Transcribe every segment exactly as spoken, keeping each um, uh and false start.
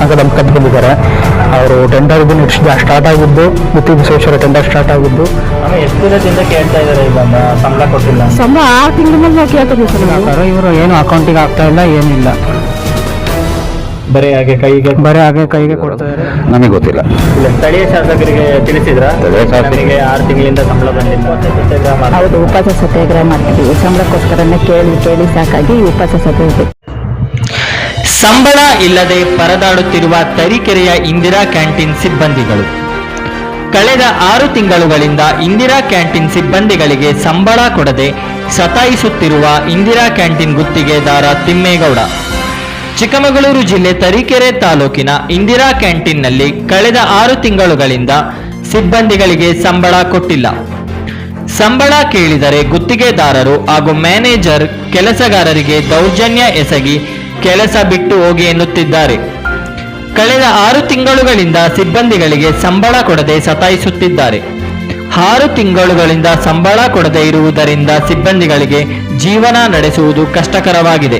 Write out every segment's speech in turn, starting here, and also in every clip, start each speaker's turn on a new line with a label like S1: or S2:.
S1: ತನಕ ದಂಪಕದ್ದು ಬಂದಿದ್ದಾರೆ. ಅವರು ಟೆಂಡರ್ ಇದು ಸ್ಟಾರ್ಟ್ ಆಗಿದ್ದು ಗುತ್ತಿ ಬಸವೇಶ್ವರ ಟೆಂಡರ್ ಸ್ಟಾರ್ಟ್ ಆಗಿದ್ದು
S2: ಎಷ್ಟು ದಿನದಿಂದ ಕೇಳ್ತಾ ಇದ್ದಾರೆ ಈಗ ಸಂಬಳ ಕೊಟ್ಟಿಲ್ಲ?
S3: ಸಂಬಳ ಆರು ತಿಂಗಳ ಮೇಲೆ ಕೇಳ್ತೀವಿ ಸರ್.
S1: ಇವರು ಏನು ಅಕೌಂಟಿಗೆ ಆಗ್ತಾ ಇಲ್ಲ, ಏನಿಲ್ಲ,
S2: ಬರೀ ಹಾಗೆ ಕೈಗೆ
S1: ಬರೀ ಹಾಗೆ ಕೈಗೆ ಕೊಡ್ತಾ ಇದ್ದಾರೆ.
S4: ನಮಗೆ ಗೊತ್ತಿಲ್ಲ.
S2: ಇಲ್ಲ, ಸ್ಥಳೀಯ ಶಾಸಕರಿಗೆ ತಿಳಿಸಿದ್ರ
S4: ಸ್ಥಳೀಯ ಶಾಸಕರಿಗೆ
S2: ನನಗೆ ಆರು ತಿಂಗಳಿಂದ ಸಂಬಳ ಬಂದಿಲ್ಲ ಸತ್ಯಾಗ್ರಹ ಮಾಡಿ
S3: ಹೌದು, ಉಪವಾಸ ಸತ್ಯಾಗ್ರಹ ಮಾಡ್ತಿದ್ದೀವಿ. ಸಂಬಳಕ್ಕೋಸ್ಕರನೇ ಕೇಳಿ ಕೇಳಿ ಸಾಕಾಗಿ ಉಪವಾಸ ಸತ್ಯಾಗ್ರಹ.
S5: ಸಂಬಳ ಇಲ್ಲದೆ ಪರದಾಡುತ್ತಿರುವ ತರೀಕೆರೆಯ ಇಂದಿರಾ ಕ್ಯಾಂಟೀನ್ ಸಿಬ್ಬಂದಿಗಳು. ಕಳೆದ ಆರು ತಿಂಗಳುಗಳಿಂದ ಇಂದಿರಾ ಕ್ಯಾಂಟೀನ್ ಸಿಬ್ಬಂದಿಗಳಿಗೆ ಸಂಬಳ ಕೊಡದೆ ಸತಾಯಿಸುತ್ತಿರುವ ಇಂದಿರಾ ಕ್ಯಾಂಟೀನ್ ಗುತ್ತಿಗೆದಾರ ತಿಮ್ಮೇಗೌಡ. ಚಿಕ್ಕಮಗಳೂರು ಜಿಲ್ಲೆ ತರೀಕೆರೆ ತಾಲೂಕಿನ ಇಂದಿರಾ ಕ್ಯಾಂಟೀನ್ನಲ್ಲಿ ಕಳೆದ ಆರು ತಿಂಗಳುಗಳಿಂದ ಸಿಬ್ಬಂದಿಗಳಿಗೆ ಸಂಬಳ ಕೊಟ್ಟಿಲ್ಲ. ಸಂಬಳ ಕೇಳಿದರೆ ಗುತ್ತಿಗೆದಾರರು ಹಾಗೂ ಮ್ಯಾನೇಜರ್ ಕೆಲಸಗಾರರಿಗೆ ದೌರ್ಜನ್ಯ ಎಸಗಿ ಕೆಲಸ ಬಿಟ್ಟು ಹೋಗಿ ಎನ್ನುತ್ತಿದ್ದಾರೆ. ಕಳೆದ ಆರು ತಿಂಗಳುಗಳಿಂದ ಸಿಬ್ಬಂದಿಗಳಿಗೆ ಸಂಬಳ ಕೊಡದೆ ಸತಾಯಿಸುತ್ತಿದ್ದಾರೆ. ಆರು ತಿಂಗಳುಗಳಿಂದ ಸಂಬಳ ಕೊಡದೆ ಇರುವುದರಿಂದ ಸಿಬ್ಬಂದಿಗಳಿಗೆ ಜೀವನ ನಡೆಸುವುದು ಕಷ್ಟಕರವಾಗಿದೆ.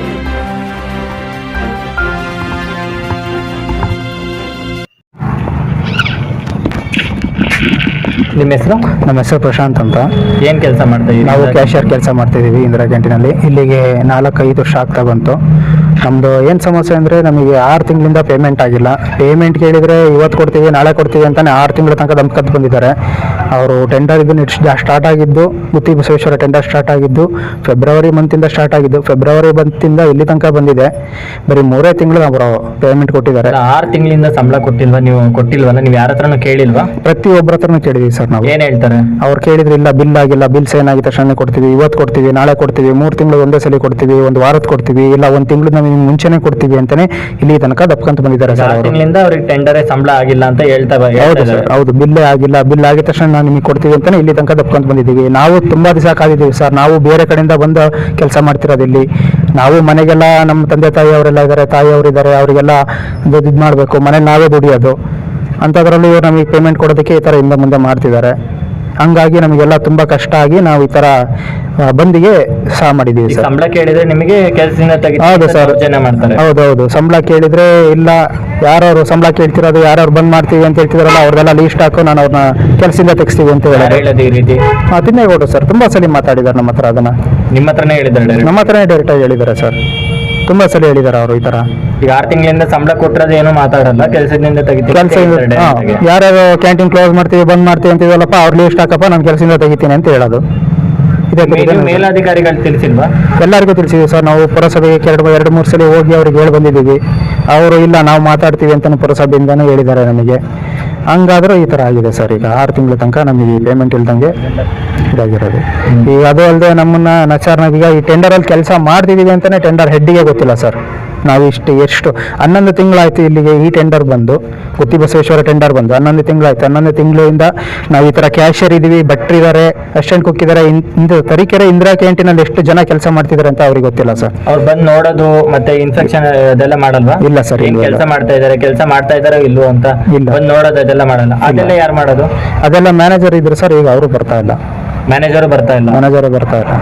S2: ನಿಮ್ಮ ಹೆಸರು?
S1: ನಮ್ಮ ಹೆಸರು ಪ್ರಶಾಂತ್ ಅಂತ.
S2: ಏನ್ ಕೆಲಸ ಮಾಡ್ತಾ ಇದ್ದೀವಿ?
S1: ನಾವು ಕ್ಯಾಶಿಯರ್ ಕೆಲಸ ಮಾಡ್ತಿದ್ದೀವಿ ಇಂದಿರಾ ಕ್ಯಾಂಟೀನಲ್ಲಿ. ಇಲ್ಲಿಗೆ ನಾಲ್ಕೈದು ವರ್ಷ ಆಗ್ತಾ ಬಂತು. ನಮ್ಮದು ಏನು ಸಮಸ್ಯೆ ಅಂದರೆ ನಮಗೆ ಆರು ತಿಂಗಳಿಂದ ಪೇಮೆಂಟ್ ಆಗಿಲ್ಲ. ಪೇಮೆಂಟ್ ಕೇಳಿದರೆ ಇವತ್ತು ಕೊಡ್ತೀವಿ ನಾಳೆ ಕೊಡ್ತೀವಿ ಅಂತಲೇ ಆರು ತಿಂಗಳ ತನಕ ದಂಪಕದ್ದು ಬಂದಿದ್ದಾರೆ. ಅವರು ಟೆಂಡರ್ ಇದು ಸ್ಟಾರ್ಟ್ ಆಗಿದ್ದು ಗುತ್ತಿ ಬಸವೇಶ್ವರ ಟೆಂಡರ್ ಸ್ಟಾರ್ಟ್ ಆಗಿದ್ದು ಫೆಬ್ರವರಿ ಮಂತಿಂದ ಸ್ಟಾರ್ಟ್ ಆಗಿದ್ದು ಫೆಬ್ರವರಿ ಮಂತಿಂದ ಇಲ್ಲಿ ತನಕ ಬಂದಿದೆ. ಬರೀ ಮೂರೇ ತಿಂಗಳು ಅವರು ಪೇಮೆಂಟ್ ಕೊಟ್ಟಿದ್ದಾರೆ.
S2: ಆರು ತಿಂಗಳಿಂದ ಸಂಬಳ ಕೊಟ್ಟಿಲ್ವಾ? ನೀವು ಕೊಟ್ಟಿಲ್ವಲ್ಲ? ನೀವು ಯಾರ ಹತ್ರನೂ ಕೇಳಿಲ್ವಾ?
S1: ಪ್ರತಿಯೊಬ್ಬರ ಹತ್ರನೂ ಕೇಳಿದೀವಿ ಸರ್ ನಾವು.
S2: ಏನ್ ಹೇಳ್ತಾರೆ?
S1: ಅವ್ರು ಕೇಳಿದ್ರೆ ಇಲ್ಲ, ಬಿಲ್ ಆಗಿಲ್ಲ, ಬಿಲ್ಸ್ ಏನಾಗಿದ್ದ ತಕ್ಷಣ ಕೊಡ್ತೀವಿ, ಇವತ್ತು ಕೊಡ್ತೀವಿ, ನಾಳೆ ಕೊಡ್ತೀವಿ, ಮೂರು ತಿಂಗಳು ಒಂದೇ ಸಲ ಕೊಡ್ತೀವಿ, ಒಂದು ವಾರದ ಕೊಡ್ತೀವಿ, ಇಲ್ಲ ಒಂದು ತಿಂಗಳು ನಮಗೆ ಮುಂಚೆನೆ ಕೊಡ್ತೀವಿ ಅಂತಾನೆ ಇಲ್ಲಿ ತನಕ ದಪ್ಕೊಂತ ಬಂದಿದ್ದಾರೆ ಸರ್.
S2: ಆರು ತಿಂಗಳಿಂದ ಅವ್ರಿಗೆ ಟೆಂಡರೇ ಸಂಬಳ ಆಗಿಲ್ಲ ಅಂತ ಹೇಳ್ತಾ
S1: ಹೌದು ಸರ್, ಹೌದು. ಬಿಲ್ಲೇ ಆಗಿಲ್ಲ, ಬಿಲ್ ಆಗಿದ ತಕ್ಷಣ ನಾವು ನಿಮಗೆ ಕೊಡ್ತೀವಿ ಅಂತಾನೆ ಇಲ್ಲಿ ತನಕ ದಪ್ಕೊಂತ ಬಂದಿದ್ದೀವಿ. ನಾವು ತುಂಬಾ ದಿವಸ ಕಾದಿದ್ದೀವಿ ಸರ್. ನಾವು ಬೇರೆ ಕಡೆಯಿಂದ ಬಂದು ಕೆಲಸ ಮಾಡ್ತಿರೋದು ಇಲ್ಲಿ. ನಾವು ಮನೆಗೆಲ್ಲ ನಮ್ಮ ತಂದೆ ತಾಯಿ ಅವರೆಲ್ಲ ಇದ್ದಾರೆ, ತಾಯಿ ಅವರಿದ್ದಾರೆ, ಅವರಿಗೆಲ್ಲ ಇದು ಮಾಡಬೇಕು, ಮನೇಲಿ ನಾವೇ ದುಡಿಯೋದು. ಅಂಥದ್ರಲ್ಲಿ ಇವರು ನಮಗೆ ಪೇಮೆಂಟ್ ಕೊಡೋದಕ್ಕೆ ಈ ಥರ ಹಿಂದೆ ಮುಂದೆ ಮಾಡ್ತಿದ್ದಾರೆ. ಹಂಗಾಗಿ ನಮಗೆಲ್ಲ ತುಂಬಾ ಕಷ್ಟ ಆಗಿ ನಾವು ಈ ತರ ಬಂದಿಗೆ ಸಹ ಮಾಡಿದ್ದೀವಿ ಸರ್.
S2: ಸಂಬಳ ಕೇಳಿದ್ರೆ ನಿಮಗೆ ಕೆಲಸದಿಂದ ತೆಗೆದು
S1: ಹೌದು ಸರ್,
S2: ಮಾಡ್ತಾರೆ.
S1: ಹೌದೌದು. ಸಂಬಳ ಕೇಳಿದ್ರೆ ಇಲ್ಲ, ಯಾರು ಸಂಬಳ ಕೇಳ್ತಿರೋದು, ಯಾರು ಬಂದ್ ಮಾಡ್ತೀವಿ ಅಂತ ಹೇಳ್ತಿದಾರಲ್ಲ ಅವ್ರದೆಲ್ಲ ಲೀಸ್ಟ್ ಹಾಕು, ನಾನು ಅವ್ರನ್ನ ಕೆಲಸದಿಂದ ತೆಗಿಸ್ತೀವಿ ಅಂತ
S2: ಹೇಳೋದು ಈ ರೀತಿ.
S1: ಹಾ, ತಿಮ್ಮೇಗೌಡರು ಸರ್ ತುಂಬಾ ಸಲ ಮಾತಾಡಿದ್ದಾರೆ ನಮ್ಮ ಹತ್ರ. ಅದನ್ನ
S2: ನಿಮ್ಮ ಹತ್ರನೇ ಹೇಳಿದ್ದಾರೆ?
S1: ನಮ್ಮ ಹತ್ರನೇ ಡೈರೆಕ್ಟ್ ಆಗಿ ಹೇಳಿದ್ದಾರೆ ಸರ್. ತುಂಬಾ ಸಲ ಹೇಳಿದ್ದಾರೆ ಅವರು ಈ ತರ.
S2: ಈಗ ಆರು ತಿಂಗಳಿಂದ ಸಂಬಳ ಕೊಟ್ಟರೆ ಏನು ಮಾತಾಡಲ್ಲ, ಕೆಲಸದಿಂದ ತೆಗಿತೀವಿ.
S1: ಕೆಲಸ ಯಾರ್ಯಾರು ಕ್ಯಾಂಟೀನ್ ಕ್ಲೋಸ್ ಮಾಡ್ತೀವಿ, ಬಂದ್ ಮಾಡ್ತೀವಿ ಅಂತಿದಲ್ಲಪ್ಪ, ಅವ್ರ ಲೀಸ್ಟ್ ಹಾಕಪ್ಪ, ನಾನು ಕೆಲಸದಿಂದ ತೆಗಿತೀನಿ ಅಂತ ಹೇಳೋದು.
S2: ಮೇಲಾಧಿಕಾರಿಗಳು ತಿಳಿಸಿಲ್ವಾ?
S1: ಎಲ್ಲರಿಗೂ ತಿಳಿಸಿದ್ವಿ ಸರ್. ನಾವು ಪುರಸಭೆಗೆ ಎರಡು ಎರಡು ಮೂರು ಸಲ ಹೋಗಿ ಅವ್ರಿಗೆ ಹೇಳಿ ಬಂದಿದ್ದೀವಿ. ಅವರು ಇಲ್ಲ, ನಾವು ಮಾತಾಡ್ತೀವಿ ಅಂತ ಪುರಸಭೆಯಿಂದಾನು ಹೇಳಿದ್ದಾರೆ ನಮಗೆ. ಹಂಗಾದ್ರೂ ಈ ತರ ಆಗಿದೆ ಸರ್. ಈಗ ಆರು ತಿಂಗಳ ತನಕ ನಮಗೆ ಪೇಮೆಂಟ್ ಇಲ್ದಂಗೆ ಇದಾಗಿರೋದು. ಈಗ ಅದು ಅಲ್ಲದೆ ನಮ್ಮನ್ನ ನಚಾರ್ನಾಗ ಈಗ ಈ ಟೆಂಡರಲ್ಲಿ ಕೆಲಸ ಮಾಡ್ತಿದ್ದೀವಿ ಅಂತಾನೆ ಟೆಂಡರ್ ಹೆಡ್ಡಿಗೆ ಗೊತ್ತಿಲ್ಲ ಸರ್. ನಾವು ಇಷ್ಟು ಎಷ್ಟು ಹನ್ನೊಂದು ತಿಂಗಳಾಯ್ತು ಇಲ್ಲಿಗೆ ಈ ಟೆಂಡರ್ ಬಂದು, ಗುತ್ತಿ ಬಸವೇಶ್ವರ ಟೆಂಡರ್ ಬಂದು ಹನ್ನೊಂದು ತಿಂಗಳಾಯ್ತು. ಹನ್ನೊಂದು ತಿಂಗಳಿಂದ ನಾವು ಈ ತರ ಕ್ಯಾಶಿಯರ್ ಇದೀವಿ, ಭಟ್ರು ಇದ್ದಾರೆ, ಅಸಿಸ್ಟೆಂಟ್ ಕುಕ್ ಇದ್ದಾರೆ. ಇಂದು ತರೀಕೆರೆ ಇಂದಿರಾ ಕ್ಯಾಂಟೀನಲ್ಲಿ ಎಷ್ಟು ಜನ ಕೆಲಸ ಮಾಡ್ತಿದ್ದಾರೆ ಅಂತ ಅವ್ರಿಗೆ ಗೊತ್ತಿಲ್ಲ ಸರ್.
S2: ಅವ್ರು ಬಂದು ನೋಡೋದು ಮತ್ತೆ ಇನ್ಸ್ಪೆಕ್ಷನ್ ಅದೆಲ್ಲ ಮಾಡಲ್ವಾ?
S1: ಇಲ್ಲ ಸರ್.
S2: ಕೆಲಸ ಮಾಡ್ತಾ ಇದಾರೆ, ಕೆಲಸ ಮಾಡ್ತಾ ಇದಾರೋ ಇಲ್ವೋ ಅಂತ ಬಂದು ನೋಡೋದು ಅದೆಲ್ಲ ಮಾಡಲ್ಲ. ಅದೆಲ್ಲ ಯಾರು ಮಾಡೋದು? ಅದೆಲ್ಲ
S1: ಮ್ಯಾನೇಜರ್ ಇದ್ರು ಸರ್. ಈಗ ಅವರು ಬರ್ತಾ ಇಲ್ಲ.
S2: ಮ್ಯಾನೇಜರ್ ಬರ್ತಾ ಇಲ್ಲ
S1: ಮ್ಯಾನೇಜರ್ ಬರ್ತಾ ಇಲ್ಲ.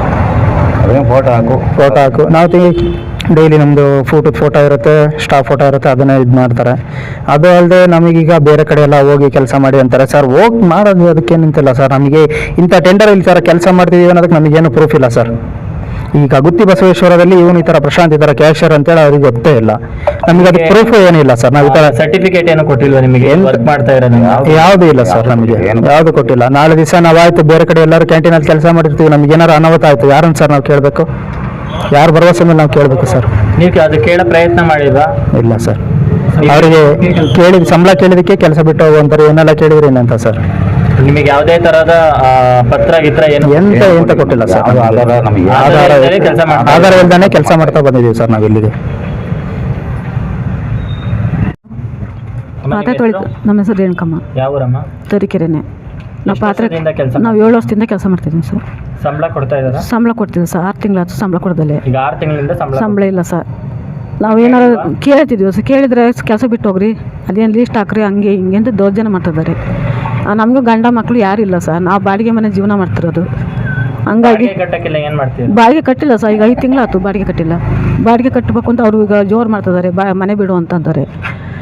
S4: ಫೋಟೋ ಹಾಕು
S1: ಫೋಟೋ ಹಾಕು ನಾವು ಡೈಲಿ ನಮ್ಮದು ಫೋಟೋ ಫೋಟೋ ಇರುತ್ತೆ, ಸ್ಟಾಫ್ ಫೋಟೋ ಇರುತ್ತೆ, ಅದನ್ನೇ ಇದು ಮಾಡ್ತಾರೆ. ಅದು ಅಲ್ಲದೆ ನಮಗೀಗ ಬೇರೆ ಕಡೆ ಎಲ್ಲ ಹೋಗಿ ಕೆಲಸ ಮಾಡಿ ಅಂತಾರೆ ಸರ್. ಹೋಗಿ ಮಾಡೋದು ಅದಕ್ಕೆ ನಿಂತಿಲ್ಲ ಸರ್. ನಮಗೆ ಇಂಥ ಟೆಂಡರ್ ಇಲ್ಲಿ ಥರ ಕೆಲಸ ಮಾಡ್ತಿದ್ದೀವಿ ಅನ್ನೋದಕ್ಕೆ ನಮಗೇನು ಪ್ರೂಫ್ ಇಲ್ಲ ಸರ್. ಈಗ ಗುತ್ತಿ ಬಸವೇಶ್ವರದಲ್ಲಿ ಇವನು ಈ ತರ ಪ್ರಶಾಂತ್ ಈ ತರ ಕ್ಯಾಶಿಯರ್ ಅಂತೇಳಿ ಅವ್ರಿಗೆ ಗೊತ್ತೇ ಇಲ್ಲ. ನಮಗೆ ಅದು ಪ್ರೂಫ್ ಏನಿಲ್ಲ ಸರ್. ನಾವು ಈ ತರ
S2: ಸರ್ಟಿಫಿಕೇಟ್ ಏನು ಕೊಟ್ಟಿಲ್ವಾ ನಿಮಗೆ? ವರ್ಕ್ ಮಾಡ್ತಾ ಇರೋದು
S1: ಯಾವ್ದು ಇಲ್ಲ ಸರ್. ನಮಗೆ ಯಾವ್ದು ಕೊಟ್ಟಿಲ್ಲ. ನಾಳೆ ದಿವಸ ನಾವಾಯ್ತು ಬೇರೆ ಕಡೆ ಎಲ್ಲರೂ ಕ್ಯಾಂಟೀನಲ್ಲಿ ಕೆಲಸ ಮಾಡಿರ್ತೀವಿ, ನಮ್ಗೆ ಏನಾರು ಅನಾಹುತ ಆಯ್ತು ಯಾರನ್ನ ಸರ್ ನಾವು ಕೇಳಬೇಕು? ಯಾರ ಭರವಸೆ ಮೇಲೆ ನಾವು ಕೇಳಬೇಕು ಸರ್?
S2: ನೀವು ಅದು ಕೇಳೋ ಪ್ರಯತ್ನ ಮಾಡಿಲ್ವಾ?
S1: ಇಲ್ಲ ಸರ್. ಅವರಿಗೆ ಕೇಳಿದ ಸಂಬಳ ಕೇಳಿದಕ್ಕೆ ಕೆಲಸ ಬಿಟ್ಟು ಹೋಗುವಂತಾರೆ. ಏನೆಲ್ಲ ಕೇಳಿದ್ರಿ ಏನಂತ ಸರ್?
S2: ನಿಮಗೆ ಯಾವುದೇ ತರಹದ ಪತ್ರ ಗಿತ್ರ ಏನು
S1: ಎಂತ ಎಂತ ಕೊಟ್ಟಿಲ್ಲ ಸರ್.
S4: ಆಧಾರ ನಮಗೆ
S1: ಆಧಾರ ಆಧಾರ ಇಲ್ದಾನೆ ಕೆಲಸ ಮಾಡ್ತಾ ಬಂದಿದ್ದೀವಿ ಸರ್ ನಾವು ಇಲ್ಲಿಗೆ.
S3: ಪಾತ್ರೆ ತೊಳಿತು. ನಮ್ಮ ಹೆಸರು ರೇಣುಕಮ್ಮ.
S2: ಯಾವ ಊರಮ್ಮ?
S3: ತರೀಕೆರೆನೆ. ನಾವು ಪಾತ್ರೆ ನಾವು ಏಳು ವರ್ಷದಿಂದ ಕೆಲಸ ಮಾಡ್ತಿದ್ದೀವಿ ಸರ್.
S2: ಸಂಬಳ ಕೊಡ್ತಾ ಇದ್ದಾರೆ?
S3: ಸಂಬಳ ಕೊಡ್ತೀವಿ ಸರ್. ಆರು ತಿಂಗಳಾಯ್ತು ಸಂಬಳ ಕೊಡದಲ್ಲೇ.
S2: ಈಗ ಆರು ತಿಂಗಳಿಂದ ಸಂಬಳ
S3: ಸಂಬಳ ಇಲ್ಲ ಸರ್. ನಾವು ಏನಾರು ಕೇಳ್ತಿದ್ವಿ ಸರ್. ಕೇಳಿದ್ರೆ ಕೆಲಸ ಬಿಟ್ಟು ಹೋಗ್ರಿ, ಅದೇನು ಲೀಸ್ಟ್ ಹಾಕ್ರಿ, ಹಂಗೆ ಹಿಂಗೆ ಅಂತ ದೌರ್ಜನ್ಯ ಮಾಡ್ತಿದ್ದಾರೆ. ನಮಗೂ ಗಂಡ ಮಕ್ಕಳು ಯಾರಿಲ್ಲ ಸರ್. ನಾವು ಬಾಡಿಗೆ ಮನೆ ಜೀವನ ಮಾಡ್ತಿರೋದು. ಹಂಗಾಗಿ
S2: ಏನು ಮಾಡ್ತೀವಿ?
S3: ಬಾಡಿಗೆ ಕಟ್ಟಿಲ್ಲ ಸರ್. ಈಗ ಐದು ತಿಂಗಳಾಯ್ತು ಬಾಡಿಗೆ ಕಟ್ಟಿಲ್ಲ. ಬಾಡಿಗೆ ಕಟ್ಟಬೇಕು ಅಂತ ಅವರು ಈಗ ಜೋರು ಮಾಡ್ತಿದ್ದಾರೆ, ಬಾ ಮನೆ ಬಿಡು ಅಂತ ಅಂತಾರೆ.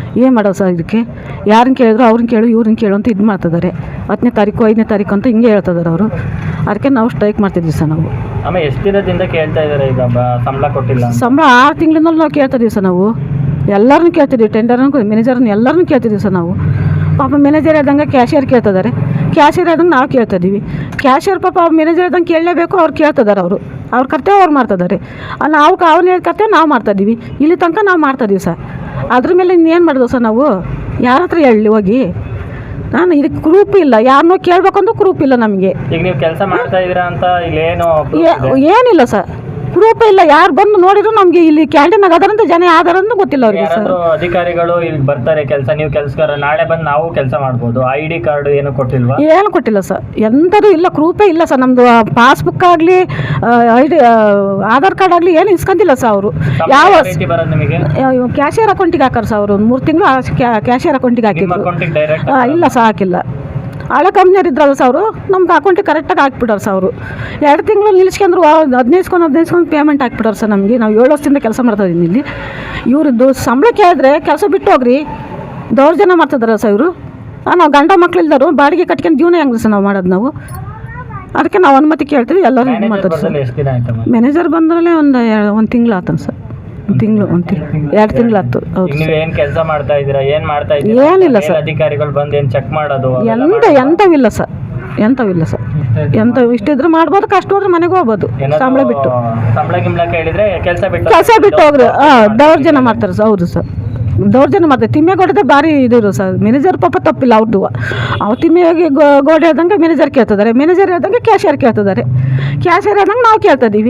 S3: ಏನು ಮಾಡೋದು ಸರ್ ಇದಕ್ಕೆ? ಯಾರನ್ನ ಕೇಳಿದ್ರು ಅವ್ರನ್ನ ಕೇಳು ಇವ್ರನ್ನ ಕೇಳು ಅಂತ ಇದು ಮಾಡ್ತಿದ್ದಾರೆ. ಹತ್ತನೇ ತಾರೀಕು ಐದನೇ ತಾರೀಕು ಅಂತ ಹಿಂಗೆ ಹೇಳ್ತಿದ್ದಾರೆ ಅವರು. ಅದಕ್ಕೆ ನಾವು ಸ್ಟ್ರೈಕ್ ಮಾಡ್ತಿದ್ವಿ ಸರ್ ನಾವು.
S2: ಆಮೇಲೆ ಎಷ್ಟು ದಿನದಿಂದ ಕೇಳ್ತಾ ಇದ್ದಾರೆ ಈಗ ಬ- ಸಂಬಳ ಕೊಟ್ಟಿಲ್ಲ ಅಂತ?
S3: ಸಂಬಳ ಆರು ತಿಂಗಳಿಂದಲೂ ನಾವು ಕೇಳ್ತಿದ್ದೀವಿ ಸರ್ ನಾವು. ಎಲ್ಲರನ್ನೂ ಕೇಳ್ತಿದ್ದೀವಿ, ಟೆಂಡರ್ನ ಮ್ಯಾನೇಜರ್ನ ಎಲ್ಲರನ್ನೂ ಕೇಳ್ತಿದ್ದೀವಿ ಸರ್ ನಾವು. ಪಾಪ ಮ್ಯಾನೇಜರ್ ಹೇಳ್ದಂಗೆ ಕ್ಯಾಶಿಯರ್ ಕೇಳ್ತಿದ್ದಾರೆ, ಕ್ಯಾಶಿಯರ್ ಹೇಳ್ದಂಗೆ ನಾವು ಕೇಳ್ತಿದ್ದೀವಿ. ಕ್ಯಾಶಿಯರ್ ಪಾಪ ಮ್ಯಾನೇಜರ್ ಹೇಳ್ದಂಗೆ ಕೇಳಲೇಬೇಕು, ಅವ್ರು ಕೇಳ್ತಿದ್ದಾರೆ. ಅವರು ಅವ್ರ ಕರ್ತವ್ಯ ಅವ್ರು ಮಾಡ್ತಿದ್ದಾರೆ. ನಾವು ಅವ್ನು ಹೇಳಿ ಕರ್ತವ್ಯ ನಾವು ಮಾಡ್ತಾಯಿದ್ದೀವಿ. ಇಲ್ಲಿ ತನಕ ನಾವು ಮಾಡ್ತಾಯಿದ್ದೀವಿ ಸರ್. ಅದ್ರ ಮೇಲೆ ಇನ್ನೇನು ಮಾಡಿದ್ವು ಸರ್ ನಾವು? ಯಾರ ಹತ್ರ ಹೇಳಿ ಹೋಗಿ? ನಾನು ಇದಕ್ಕೆ ಗ್ರೂಪ್ ಇಲ್ಲ, ಯಾರನ್ನೋ ಕೇಳಬೇಕಂದ್ರೂ ಗ್ರೂಪ್ ಇಲ್ಲ ನಮಗೆ.
S2: ಈಗ ನೀವು ಕೆಲಸ ಮಾಡ್ತಾ ಇದೀರಾ ಅಂತ ಇಲ್ಲಿ ಏನು
S3: ಏನಿಲ್ಲ ಸರ್, ಗ್ರೂಪ್ ಇಲ್ಲ. ಯಾರು ಬಂದು ನೋಡಿದ್ರು ನಮಗೆ ಇಲ್ಲಿ ಕ್ಯಾಂಟೀನಾಗ ಅದಾರಂತ ಜನ ಯಾವ್ದಾರಂತ ಗೊತ್ತಿಲ್ಲ ಅವ್ರಿಗೆ ಸರ್.
S2: ಯಾರಾದ್ರೂ ಅಧಿಕಾರಿಗಳು ಇಲ್ಲಿ ಬರ್ತಾರೆ ಕೆಲಸ, ನೀವು ಕೆಲಸಗಾರ ನಾಳೆ ಬಂದು ನಾವು ಕೆಲಸ ಮಾಡ್ಬೋದು. ಐ ಡಿ ಕಾರ್ಡ್ ಏನು ಕೊಟ್ಟಿಲ್ವಾ?
S3: ಏನು ಕೊಟ್ಟಿಲ್ಲ ಸರ್, ಎಂಥದ್ದು ಇಲ್ಲ, ಗ್ರೂಪೇ ಇಲ್ಲ ಸರ್. ನಮ್ಮದು ಪಾಸ್ಬುಕ್ ಆಗಲಿ ಐ ಡಿ ಆಧಾರ್ ಕಾರ್ಡ್ ಆಗಲಿ ಏನು ಇಸ್ಕೊಂತಿಲ್ಲ ಸರ್ ಅವರು. ಯಾವ
S2: ರೀತಿ ಬರೋದು ನಿಮಗೆ?
S3: ಕ್ಯಾಶಿಯರ್ ಅಕೌಂಟಿಗೆ ಹಾಕಾರ ಸರ್ ಅವರು. ಒಂದು ಮೂರು ತಿಂಗಳು ಕ್ಯಾಶಿಯರ್ ಅಕೌಂಟಿಗೆ
S2: ನಿಮ್ಮ
S3: ಹಾಕಿದ್ರು.
S2: ಅಕೌಂಟಿಗೆ ಡೈರೆಕ್ಟ್
S3: ಆ, ಇಲ್ಲ ಸರ್ ಹಾಕಿಲ್ಲ. ಹಳೆ ಕಂಪ್ನಿಯವ್ರು ಇದ್ರಲ್ಲ ಸರ್ ಅವರು, ನಮ್ಗೆ ಅಕೌಂಟಿಗೆ ಕರೆಕ್ಟಾಗಿ ಹಾಕ್ಬಿಟ್ಟಾರೆ ಸರ್ ಅವರು. ಎರಡು ತಿಂಗಳು ನಿಲ್ಸ್ಕೊಂಡ್ರು, ಹದಿನೈದು ಹದಿನೈದು ಪೇಮೆಂಟ್ ಹಾಕ್ಬಿಟ್ಟಾರೆ ಸರ್ ನಮಗೆ. ನಾವು ಏಳು ವರ್ಷದಿಂದ ಕೆಲಸ ಮಾಡ್ತಾ ಇದ್ದೀನಿ ಇಲ್ಲಿ. ಇವ್ರದ್ದು ಸಂಬಳ ಕೇಳಿದ್ರೆ ಕೆಲಸ ಬಿಟ್ಟು ಹೋಗ್ರಿ, ದೌರ್ಜನ್ಯ ಮಾಡ್ತಿದ್ದಾರೆ ಸರ್ ಇವರು. ನಾವು ಗಂಡ ಮಕ್ಳು ಇಲ್ದರು ಬಾಡಿಗೆ ಕಟ್ಕೊಂಡು ಜೀವನ ಹೆಂಗ್ರಿ ಸರ್ ನಾವು ಮಾಡೋದು ನಾವು? ಅದಕ್ಕೆ ನಾವು ಅನುಮತಿ ಕೇಳ್ತೀವಿ, ಎಲ್ಲರೂ ಇದು ಮಾಡ್ತಾರೆ ಸರ್.
S2: ಎಷ್ಟು ದಿನ ಆಯ್ತಮ್ಮ?
S3: ಮ್ಯಾನೇಜರ್ ಬಂದ್ರಲ್ಲೇ ಒಂದು ಒಂದು ತಿಂಗಳು ಆತನ ಸರ್. ಒಂದು ತಿಂಗಳು ಒಂದು ತಿಂಗಳು ಎರಡು ತಿಂಗಳು ಆಯ್ತು. ಹೌದು
S2: ಈಗ ನೀವು ಏನ್ ಕೆಲಸ ಮಾಡ್ತಾ ಇದೀರಾ, ಏನ್ ಮಾಡ್ತಾ
S3: ಏನಿಲ್ಲ
S2: ಇದೀರಾ?
S3: ಸರ್.
S2: ಅಧಿಕಾರಿಗಳು ಬಂದು ಏನ್ ಚೆಕ್ ಮಾಡೋದು?
S3: ಎಂತ ಎಂಥವಿಲ್ಲ ಸರ್, ಎಂಥವಿಲ್ಲ ಸರ್. ಎಂಥ ಇಷ್ಟಿದ್ರೆ ಮಾಡ್ಬೋದು, ಕಷ್ಟ ಹೋದ್ರೆ ಮನೆಗೆ ಹೋಗ್ಬೋದು ಸಂಬಳ ಬಿಟ್ಟು.
S2: ಸಂಬಳ ಗಿಂಬಳ ಕೇಳಿದ್ರೆ ಕೆಲಸ ಬಿಟ್ಟು
S3: ಕೆಲಸ ಬಿಟ್ಟು ಹೋಗ್ರಿ. ಹಾಂ, ದೌರ್ಜನ್ಯ ಮಾಡ್ತಾರೆ ಸರ್. ಹೌದು ಸರ್, ದೌರ್ಜನ್ಯ ಮಾಡ್ತಾರೆ. ತಿಮ್ಮೆಗೋಡೆ ಭಾರಿ ಇದು ಸರ್. ಮ್ಯಾನೇಜರ್ ಪಾಪ ತಪ್ಪಿಲ್ಲ ಅವ್ರದ್ದು. ಅವ್ರು ತಿಮ್ಮೆಗೆ ಗೋಡೆ ಹೇಳ್ದಂಗೆ ಮ್ಯಾನೇಜರ್ ಕೇಳ್ತಿದ್ದಾರೆ, ಮ್ಯಾನೇಜರ್ ಹೇಳ್ದಂಗೆ ಕ್ಯಾಶಿಯರ್ ಕೇಳ್ತಿದ್ದಾರೆ, ಕ್ಯಾಶಿಯರ್ ಹೇಳ್ದಂಗೆ ನಾವು ಕೇಳ್ತಾ ಇದ್ದೀವಿ.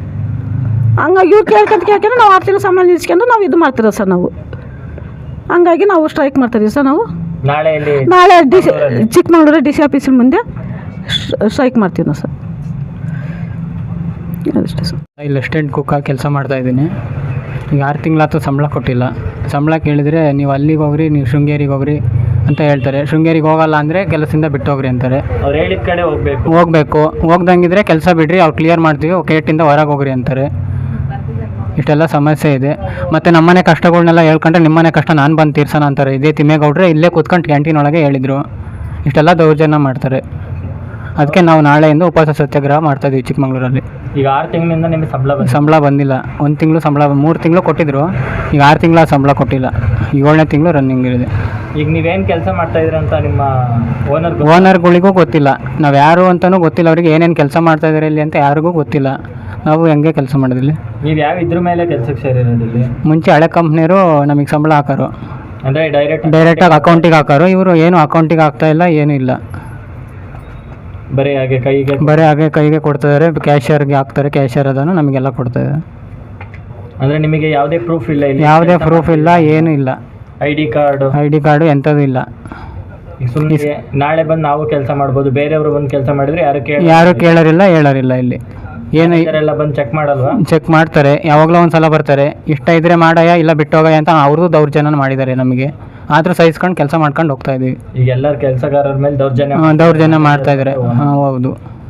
S3: ಹಂಗಾಗಿ ಇವ್ರು ಕೇಳ್ಕೊಂತ ಕೇಳ್ಕೊಂಡು ನಾವು ಆರು ತಿಂಗಳು ಸಂಬಳ ನಿಲ್ಸ್ಕೊಂಡು ನಾವು ಇದು ಮಾಡ್ತಿರೋ ಸರ್ ನಾವು. ಹಂಗಾಗಿ ನಾವು ಸ್ಟ್ರೈಕ್ ಮಾಡ್ತಿದ್ದೀವಿ ಸರ್ ನಾವು.
S2: ನಾಳೆ ಇಲ್ಲಿ
S3: ನಾಳೆ D C Chikkamagaluru D C ಆಫೀಸಿನ ಮುಂದೆ ಸ್ಟ್ರೈಕ್ ಮಾಡ್ತೀವಿ ನಾವು ಸರ್. ಅದಷ್ಟೇ ಸರ್.
S6: ಇಲ್ಲಿ ಅಸಿಸ್ಟೆಂಟ್ ಕುಕ್ಕಾಗಿ ಕೆಲಸ ಮಾಡ್ತಾಯಿದ್ದೀನಿ. ಈಗ ಆರು ತಿಂಗಳಾಯ್ತು ಸಂಬಳ ಕೊಟ್ಟಿಲ್ಲ. ಸಂಬಳ ಕೇಳಿದರೆ ನೀವು ಅಲ್ಲಿಗೆ ಹೋಗ್ರಿ, ನೀವು ಶೃಂಗೇರಿಗೆ ಹೋಗ್ರಿ ಅಂತ ಹೇಳ್ತಾರೆ. ಶೃಂಗೇರಿಗೆ ಹೋಗಲ್ಲ ಅಂದರೆ ಕೆಲಸದಿಂದ ಬಿಟ್ಟು ಹೋಗ್ರಿ ಅಂತಾರೆ.
S2: ಅವ್ರು ಹೇಳಿದ ಕಡೆ ಹೋಗ್ಬೇಕು.
S6: ಹೋಗಬೇಕು, ಹೋಗ್ದಂಗಿದ್ರೆ ಕೆಲಸ ಬಿಡ್ರಿ, ಅವ್ರು ಕ್ಲಿಯರ್ ಮಾಡ್ತೀವಿ, ಗೇಟಿಂದ ಹೊರಗೆ ಹೋಗ್ರಿ ಅಂತಾರೆ. ಇಷ್ಟೆಲ್ಲ ಸಮಸ್ಯೆ ಇದೆ. ಮತ್ತು ನಮ್ಮನೆ ಕಷ್ಟಗಳನ್ನೆಲ್ಲ ಹೇಳ್ಕೊಂಡ್ರೆ ನಿಮ್ಮನೆ ಕಷ್ಟ ನಾನು ಬಂದು ತೀರ್ಸೋಣ ಅಂತಾರೆ. ಇದೇ ತಿಮ್ಮೇಗೌಡ್ರೆ ಇಲ್ಲೇ ಕೂತ್ಕೊಂಡು ಕ್ಯಾಂಟೀನ್ ಒಳಗೆ ಹೇಳಿದರು. ಇಷ್ಟೆಲ್ಲ ದೌರ್ಜನ್ಯ ಮಾಡ್ತಾರೆ. ಅದಕ್ಕೆ ನಾವು ನಾಳೆಯಿಂದ ಉಪವಾಸ ಸತ್ಯಾಗ್ರಹ ಮಾಡ್ತಾಯಿದ್ದೀವಿ ಚಿಕ್ಕಮಗಳೂರಲ್ಲಿ.
S2: ಈಗ ಆರು ತಿಂಗಳಿಂದ ನಿಮಗೆ ಸಂಬಳ ಬಂದಿಲ್ಲ?
S6: ಸಂಬಳ ಬಂದಿಲ್ಲ. ಒಂದು ತಿಂಗಳು ಸಂಬಳ, ಮೂರು ತಿಂಗಳು ಕೊಟ್ಟಿದ್ರು. ಈಗ ಆರು ತಿಂಗಳ ಸಂಬಳ ಕೊಟ್ಟಿಲ್ಲ. ಏಳನೇ ತಿಂಗಳು ರನ್ನಿಂಗ್ ಇದೆ.
S2: ಈಗ ನೀವೇನು ಕೆಲಸ ಮಾಡ್ತಾ ಇದ್ದೀರಾ ಅಂತ ನಿಮ್ಮ ಓನರ್
S6: ಓನರ್ಗಳಿಗೂ ಗೊತ್ತಿಲ್ಲ, ನಾವು ಯಾರು ಅಂತಲೂ ಗೊತ್ತಿಲ್ಲ. ಅವರಿಗೆ ಏನೇನು ಕೆಲಸ ಮಾಡ್ತಾ ಇದ್ದಾರೆ ಇಲ್ಲಿ ಅಂತ ಯಾರಿಗೂ ಗೊತ್ತಿಲ್ಲ. ನಾವು ಹೆಂಗೆ ಕೆಲಸ ಮಾಡೋದಿಲ್ಲ.
S2: ನೀವು ಯಾವ ಇದ್ರ ಮೇಲೆ ಕೆಲಸಕ್ಕೆ ಸೇರಿರೋದಿಲ್ಲ?
S6: ಮುಂಚೆ ಹಳೆ ಕಂಪ್ನಿಯವರು ನಮಗೆ ಸಂಬಳ ಹಾಕೋರು,
S2: ಅಂದರೆ ಡೈರೆಕ್ಟ್
S6: ಡೈರೆಕ್ಟಾಗಿ ಅಕೌಂಟಿಗೆ ಹಾಕೋರು. ಇವರು ಏನು ಅಕೌಂಟಿಗೆ ಹಾಕ್ತಾ ಇಲ್ಲ, ಏನೂ ಇಲ್ಲ.
S2: ಬರೀ ಹಾಗೆ ಕೈಗೆ
S6: ಬರೀ ಹಾಗೆ ಕೈಗೆ ಕೊಡ್ತಿದ್ದಾರೆ. ಕ್ಯಾಶಿಯರ್ಗೆ ಹಾಕ್ತಾರೆ, ಕ್ಯಾಶಿಯರ್ ಅದನ್ನು ನಮಗೆಲ್ಲ ಕೊಡ್ತಾಯಿದ್ದಾರೆ.
S2: ಅಂದರೆ ನಿಮಗೆ ಯಾವುದೇ ಪ್ರೂಫ್ ಇಲ್ಲ ಇಲ್ಲಿ?
S6: ಯಾವುದೇ ಪ್ರೂಫ್ ಇಲ್ಲ, ಏನೂ ಇಲ್ಲ.
S2: I D card
S6: I D card ಎಂಥದ್ದು ಇಲ್ಲ.
S2: ಸುಮ್ಮನೆ ನಾಳೆ ಬಂದು ನಾವು ಕೆಲಸ ಮಾಡ್ಬೋದು, ಬೇರೆಯವರು ಬಂದು ಕೆಲಸ ಮಾಡಿದ್ರೆ ಯಾರು ಕೇಳ
S6: ಯಾರು ಕೇಳೋರಿಲ್ಲ, ಹೇಳೋರಿಲ್ಲ. ಇಲ್ಲಿ ಏನು
S2: ಎಲ್ಲ ಬಂದು ಚೆಕ್ ಮಾಡಲ್ವಾ?
S6: ಚೆಕ್ ಮಾಡ್ತಾರೆ, ಯಾವಾಗಲೂ ಒಂದು ಸಲ ಬರ್ತಾರೆ. ಇಷ್ಟ ಇದ್ದರೆ ಮಾಡಯ್ಯ, ಇಲ್ಲ ಬಿಟ್ಟೋಗಯ್ಯ ಅಂತ ಅವ್ರದ್ದು ದೌರ್ಜನ್ಯ ಮಾಡಿದ್ದಾರೆ ನಮಗೆ. ಆದರೂ ಸಹಿಸ್ಕೊಂಡು ಕೆಲಸ ಮಾಡ್ಕೊಂಡು ಹೋಗ್ತಾ ಇದ್ದೀವಿ.
S2: ಈಗ ಎಲ್ಲರ ಕೆಲಸಗಾರರ ಮೇಲೆ ದೌರ್ಜನ್ಯ
S6: ದೌರ್ಜನ್ಯ ಮಾಡ್ತಾ ಇದ್ದಾರೆ. ಹಾಂ, ಹೌದು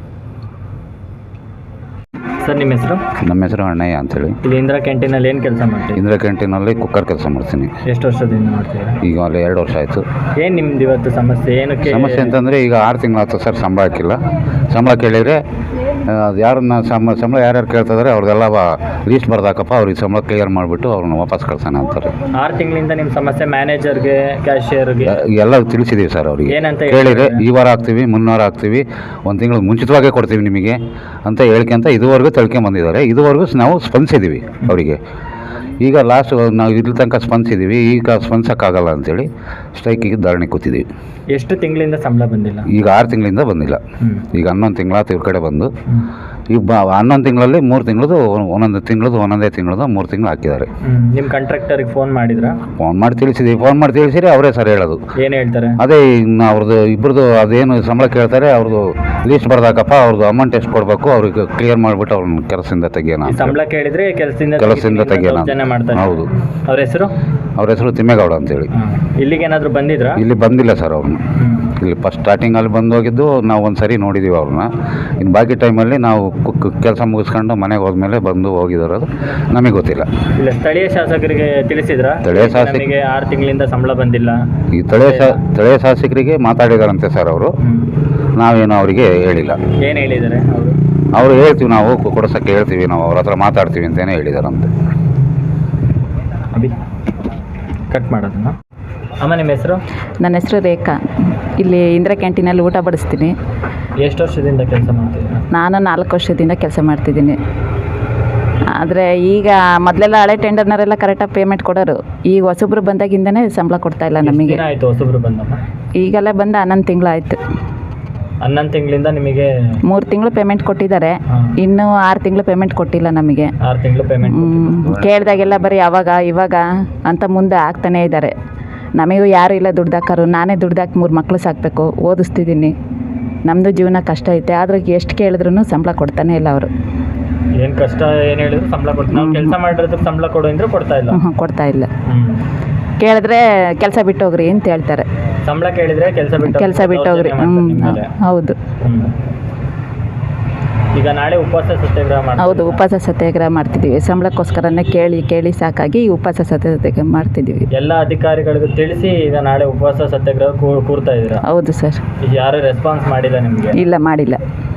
S2: ಸರ್. ನಿಮ್ಮ ಹೆಸರು?
S4: ನಮ್ಮ ಹೆಸರು ಅಣ್ಣಯ್ಯ ಅಂತೇಳಿ.
S2: ಇಲ್ಲಿ ಇಂದಿರಾ ಕ್ಯಾಂಟೀನಲ್ಲಿ ಏನು ಕೆಲಸ ಮಾಡ್ತೀವಿ?
S4: ಇಂದಿರಾ ಕ್ಯಾಂಟೀನಲ್ಲಿ ಕುಕ್ಕರ್ ಕೆಲಸ ಮಾಡ್ತೀನಿ.
S2: ಎಷ್ಟು ವರ್ಷದಿಂದ ಮಾಡ್ತೀರಾ?
S4: ಈಗ ಅಲ್ಲಿ ಎರಡು ವರ್ಷ ಆಯಿತು.
S2: ಏನು ನಿಮ್ದು ಇವತ್ತು ಸಮಸ್ಯೆ? ಏನಕ್ಕೆ
S4: ಸಮಸ್ಯೆ ಅಂತಂದರೆ ಈಗ ಆರು ತಿಂಗಳಾಯ್ತು ಸರ್, ಸಂಬಳ ಹಾಕಿಲ್ಲ. ಸಂಬಳ ಕೇಳಿದರೆ ಯಾರನ್ನ ಸಂಬಳ ಸಂಬಳ ಯಾರ್ಯಾರು ಕೇಳ್ತಿದ್ದಾರೆ ಅವ್ರದ್ದೆಲ್ಲ ಲೀಸ್ಟ್ ಬರ್ದಾಕಪ್ಪ, ಅವ್ರಿಗೆ ಸಂಬಳ ಕ್ಲಿಯರ್ ಮಾಡಿಬಿಟ್ಟು ಅವ್ರನ್ನ ವಾಪಸ್ ಕಳ್ಸೋಣ ಅಂತಾರೆ.
S2: ಆರು ತಿಂಗಳಿಂದ ನಿಮ್ಮ ಸಮಸ್ಯೆ ಮ್ಯಾನೇಜರ್ಗೆ, ಕ್ಯಾಶಿಯರ್ಗೆ
S4: ಎಲ್ಲ ತಿಳಿಸಿದ್ದೀವಿ ಸರ್ ಅವರಿಗೆ.
S2: ಏನಂತ
S4: ಕೇಳಿದರೆ ಈ ವಾರ ಹಾಕ್ತೀವಿ, ಮುನ್ನೂರು ಹಾಕ್ತೀವಿ, ಒಂದು ತಿಂಗಳು ಮುಂಚಿತವಾಗೇ ಕೊಡ್ತೀವಿ ನಿಮಗೆ ಅಂತ ಹೇಳ್ಕೊಂತ ಇದುವರೆಗೂ ತಿಳ್ಕೊಂಬಂದಿದ್ದಾರೆ. ಇದುವರೆಗೂ ನಾವು ಸ್ಪಂದಿಸಿದ್ದೀವಿ ಅವರಿಗೆ. ಈಗ ಲಾಸ್ಟ್ ನಾವು ಇಲ್ಲಿ ತನಕ ಸ್ಪಂದಿಸಿದ್ದೀವಿ, ಈಗ ಸ್ಪಂದಿಸೋಕ್ಕಾಗಲ್ಲ ಅಂತೇಳಿ ಸ್ಟ್ರೈಕಿಗೆ ಧರಣಿ ಕೂತಿದ್ದೀವಿ.
S2: ಎಷ್ಟು ತಿಂಗಳಿಂದ ಸಂಬಳ ಬಂದಿಲ್ಲ?
S4: ಈಗ ಆರು ತಿಂಗಳಿಂದ ಬಂದಿಲ್ಲ. ಈಗ ಹನ್ನೊಂದು ತಿಂಗಳಾಯ್ತು ಇವ್ರ ಕಡೆ ಬಂದು. ಈಗ ಬ ಹನ್ನೊಂದು ತಿಂಗಳಲ್ಲಿ ಮೂರು ತಿಂಗಳದು, ಒಂದೊಂದು ತಿಂಗಳದು, ಒಂದೊಂದೇ ತಿಂಗಳದು ಮೂರು ತಿಂಗಳು ಹಾಕಿದ್ದಾರೆ.
S2: ನಿಮ್ಮ ಕಾಂಟ್ರಾಕ್ಟರಿಗೆ ಫೋನ್ ಮಾಡಿದ್ರಾ?
S4: ಫೋನ್ ಮಾಡಿ ತಿಳಿಸಿದ್ದೀವಿ. ಫೋನ್ ಮಾಡಿ ತಿಳಿಸಿರಿ ಅವರೇ ಸರ್ ಹೇಳೋದು.
S2: ಏನು ಹೇಳ್ತಾರೆ?
S4: ಅದೇ ಇನ್ನು ಅವ್ರದ್ದು ಇಬ್ಬರದು ಅದೇನು ಸಂಬಳ ಕೇಳ್ತಾರೆ, ಅವ್ರದ್ದು ಲೀಸ್ಟ್ ಬರ್ದಾಕಪ್ಪ ಅವ್ರದ್ದು ಅಮೌಂಟ್ ಎಷ್ಟು ಕೊಡಬೇಕು ಅವ್ರಿಗೆ ಕ್ಲಿಯರ್ ಮಾಡಿಬಿಟ್ಟು ಅವ್ರನ್ನ ಕೆಲಸದಿಂದ ತೆಗಿಯೋಣ
S2: ಈ ಸಂಬಳ ಕೇಳಿದ್ರೆ ಕೆಲಸದಿಂದ
S4: ಕೆಲಸದಿಂದ ತೆಗಿಯೋಣ
S2: ದೌರ್ಜನ್ಯ ಮಾಡ್ತಾರೆ.
S4: ಹೌದು.
S2: ಅವ್ರ ಹೆಸರು
S4: ಅವ್ರ ಹೆಸರು ತಿಮ್ಮೇಗೌಡ ಅಂತೇಳಿ.
S2: ಇಲ್ಲಿಗೆ ಏನಾದ್ರು ಬಂದಿದ್ರಾ?
S4: ಇಲ್ಲಿ ಬಂದಿಲ್ಲ ಸರ್ ಅವ್ರನ್ನ. ಇಲ್ಲಿ ಫಸ್ಟ್ ಸ್ಟಾರ್ಟಿಂಗಲ್ಲಿ ಬಂದು ಹೋಗಿದ್ದು ನಾವು ಒಂದು ಸರಿ ನೋಡಿದ್ದೀವಿ ಅವ್ರನ್ನ. ಇನ್ನು ಬಾಕಿ ಟೈಮಲ್ಲಿ ನಾವು ಕೆಲಸ ಮುಗಿಸ್ಕೊಂಡು ಮನೆಗೆ ಹೋದ್ಮೇಲೆ ಬಂದು ಹೋಗಿರೋದು ನಮಗೆ ಗೊತ್ತಿಲ್ಲ.
S2: ಇಲ್ಲ ಸ್ಥಳೀಯ ಶಾಸಕರಿಗೆ ತಿಳಿಸಿದ್ರಾ?
S4: ಸ್ಥಳೀಯ ಶಾಸಕ-
S2: ನಮಗೆ ಆರು ತಿಂಗಳಿಂದ ಸಂಬಳ ಬಂದಿಲ್ಲ.
S4: ಈ ಸ್ಥಳೀಯ ಶಾ ಸ್ಥಳೀಯ ಶಾಸಕರಿಗೆ ಮಾತಾಡಿದಾರಂತೆ ಸರ್ ಅವರು. ನಾವೇನು ಅವರಿಗೆ ಹೇಳಿಲ್ಲ.
S2: ಏನು ಹೇಳಿದ್ದಾರೆ ಅವರು?
S4: ಅವರು ಹೇಳ್ತೀವಿ ನಾವು ಕೊಡ್ಸೋಕ್ಕೆ ಹೇಳ್ತೀವಿ, ನಾವು ಅವ್ರ ಹತ್ರ ಮಾತಾಡ್ತೀವಿ ಅಂತಲೇ ಹೇಳಿದಾರಂತೆ.
S2: ಅಭಿ ಕಟ್ ಮಾಡೋದನ್ನ. ಅಮ್ಮ ನಿಮ್ಮ ಹೆಸರು?
S7: ನನ್ನ ಹೆಸರು ರೇಖಾ. ಇಲ್ಲಿ ಇಂದಿರಾ ಕ್ಯಾಂಟೀನಲ್ಲಿ ಊಟ ಬಡಿಸ್ತೀನಿ.
S2: ಎಷ್ಟು ವರ್ಷದಿಂದ ಕೆಲಸ ಮಾಡ್ತಿದ್ದೀರಾ?
S7: ನಾನು ನಾಲ್ಕು ವರ್ಷದಿಂದ ಕೆಲಸ ಮಾಡ್ತಿದ್ದೀನಿ. ಆದರೆ ಈಗ ಮೊದಲೆಲ್ಲ ಹಳೆ ಟೆಂಡರ್ನವರೆಲ್ಲ ಕರೆಕ್ಟಾಗಿ ಪೇಮೆಂಟ್ ಕೊಡೋರು. ಈಗ ಹೊಸಬ್ರು ಬಂದಾಗಿಂದನೇ ಸಂಬಳ ಕೊಡ್ತಾ ಇಲ್ಲ ನಮಗೆ.
S2: ಆಯಿತು ಹೊಸಬ್ರು ಬಂದಮ್ಮ?
S7: ಈಗೆಲ್ಲ ಬಂದು ಹನ್ನೊಂದು ತಿಂಗಳಾಯಿತು.
S2: ಹನ್ನೊಂದು ತಿಂಗಳಿಂದ ನಿಮಗೆ
S7: ಮೂರು ತಿಂಗಳು ಪೇಮೆಂಟ್ ಕೊಟ್ಟಿದ್ದಾರೆ, ಇನ್ನೂ ಆರು ತಿಂಗಳು ಪೇಮೆಂಟ್ ಕೊಟ್ಟಿಲ್ಲ ನಮಗೆ.
S2: ಆರು ತಿಂಗಳು ಪೇಮೆಂಟ್
S7: ಕೇಳಿದಾಗೆಲ್ಲ ಬರೀ ಅವಾಗ ಇವಾಗ ಅಂತ ಮುಂದೆ ಆಗ್ತಾನೇ ಇದ್ದಾರೆ. ನಮಗೂ ಯಾರು ಇಲ್ಲ ದುಡ್ದಾಕರು. ನಾನೇ ದುಡ್ದಾಕಿ ಮೂರು ಮಕ್ಕಳು ಸಾಕಬೇಕು, ಓದಿಸ್ತಿದ್ದೀನಿ. ನಮ್ಮದು ಜೀವನ ಕಷ್ಟ ಐತೆ, ಆದ್ರೆ ಎಷ್ಟು ಕೇಳಿದ್ರೂ ಸಂಬಳ ಕೊಡ್ತಾನೆ ಇಲ್ಲ ಅವರು.
S2: ಏನು ಕಷ್ಟ ಏನು ಹೇಳಿದ್ರು ಸಂಬಳ ಕೊಡ್ತಾರೆ. ನಾವು ಕೆಲಸ ಮಾಡಿರೋದಕ್ಕೆ ಸಂಬಳ ಕೊಡು ಅಂದ್ರೆ ಕೊಡ್ತಾ ಇಲ್ಲ.
S7: ಹ್ಞೂ ಕೊಡ್ತಾ ಇಲ್ಲ. ಕೇಳಿದ್ರೆ ಕೆಲಸ ಬಿಟ್ಟು ಹೋಗ್ರಿ ಅಂತ ಹೇಳ್ತಾರೆ.
S2: ಸಂಬಳ ಕೇಳಿದ್ರೆ ಕೆಲಸ ಬಿಟ್ಟು
S7: ಕೆಲಸ ಬಿಟ್ಟು ಹೋಗ್ರಿ. ಹ್ಞೂ ಹೌದು.
S2: ಈಗ ನಾಳೆ ಉಪವಾಸ ಸತ್ಯಾಗ್ರಹ ಮಾಡಿ.
S7: ಹೌದು, ಉಪವಾಸ ಸತ್ಯಾಗ್ರಹ ಮಾಡ್ತಿದ್ದೀವಿ. ಸಂಬಳಕ್ಕೋಸ್ಕರನೇ ಕೇಳಿ ಕೇಳಿ ಸಾಕಾಗಿ ಉಪವಾಸ ಸತ್ಯಾಗ್ರಹ ಮಾಡ್ತಿದ್ದೀವಿ.
S2: ಎಲ್ಲ ಅಧಿಕಾರಿಗಳಿಗೂ ತಿಳಿಸಿ ಈಗ ನಾಳೆ ಉಪವಾಸ ಸತ್ಯಾಗ್ರಹ ಕೂರ್ತಾ ಇದ್ದೀರಾ?
S7: ಹೌದು ಸರ್.
S2: ಈಗ ಯಾರು ರೆಸ್ಪಾನ್ಸ್ ಮಾಡಿಲ್ಲ ನಿಮಗೆ?
S7: ಇಲ್ಲ, ಮಾಡಿಲ್ಲ.